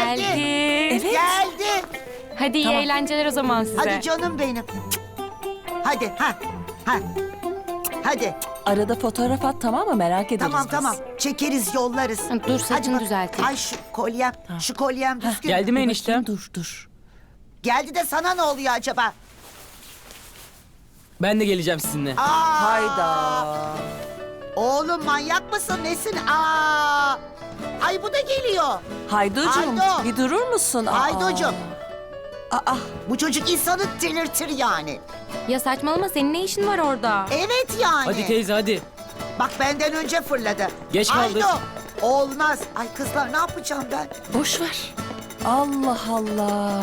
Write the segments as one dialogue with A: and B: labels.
A: Geldi.
B: Evet.
C: Geldi.
A: Hadi iyi eğlenceler o zaman size.
C: Hadi canım benim. Hadi ha. Hadi.
B: Arada fotoğraf at, tamam mı? Merak ederiz
C: Tamam
B: biz.
C: tamam. Çekeriz yollarız.
A: Dur, saçını
C: bak.
A: düzelteyim.
C: Ay şu kolyem. Şu kolyem düzgün.
D: Geldi mi
B: Dur
D: enişte?
B: bakayım, dur.
C: Geldi de sana ne oluyor acaba?
D: Ben de geleceğim sizinle.
B: Hayda.
C: Oğlum manyak mısın nesin? Ay bu da geliyor.
B: Haydocuğum,
C: Haydo.
B: bir durur musun?
C: Haydocuğum.
B: Aa,
C: Bu çocuk insanı delirtir yani.
A: Ya saçmalama, senin ne işin var orada?
C: Evet yani.
D: Hadi teyze hadi.
C: Bak benden önce fırladı.
D: Geç kaldık.
C: Haydo. Olmaz. Ay kızlar ne yapacağım ben?
B: boş ver. Allah Allah.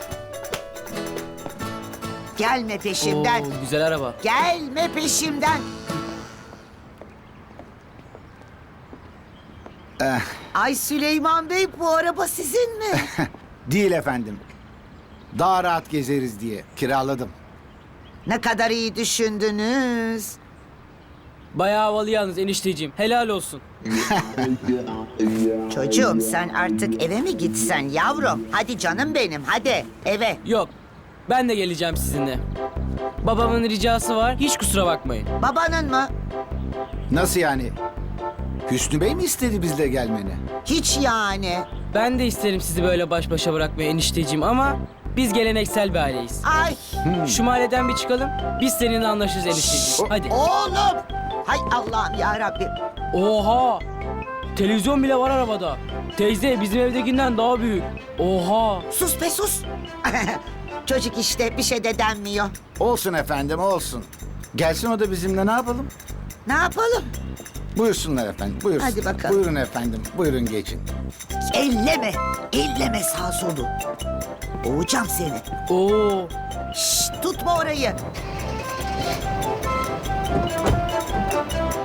C: Gelme peşimden.
D: Oo, güzel araba.
C: Gelme peşimden. Ay Süleyman Bey bu araba sizin mi?
E: Değil efendim. Daha rahat gezeriz diye kiraladım.
C: Ne kadar iyi düşündünüz.
D: Bayağı havalı yalnız enişteciğim. Helal olsun.
C: Çocuğum sen artık eve mi gitsen yavrum? Hadi canım benim hadi eve.
D: Yok. Ben de geleceğim sizinle. Babamın ricası var. Hiç kusura bakmayın.
C: Babanın mı?
E: Nasıl yani? Hüsnü Bey mi istedi bizle gelmeni?
C: Hiç yani.
D: Ben de isterim sizi böyle baş başa bırakmayı enişteciğim ama biz geleneksel bir aileyiz.
C: Ay
D: Şu mahalleden bir çıkalım. Biz seninle anlaşırız enişteciğim. Hadi.
C: oğlum. Hay Allah'ım ya Rabbim.
D: Oha! Televizyon bile var arabada. Teyze bizim evdekinden daha büyük. Oha!
C: Sus be sus. Çocuk işte bir şey de denmiyor.
E: Olsun efendim olsun. Gelsin o da bizimle ne yapalım?
C: Ne yapalım?
E: Buyursunlar efendim buyursun.
C: Hadi bakalım.
E: Buyurun efendim buyurun geçin.
C: Elleme. Elleme sağ solu. Boğacağım seni.
D: Oo!
C: Şşt tutma orayı.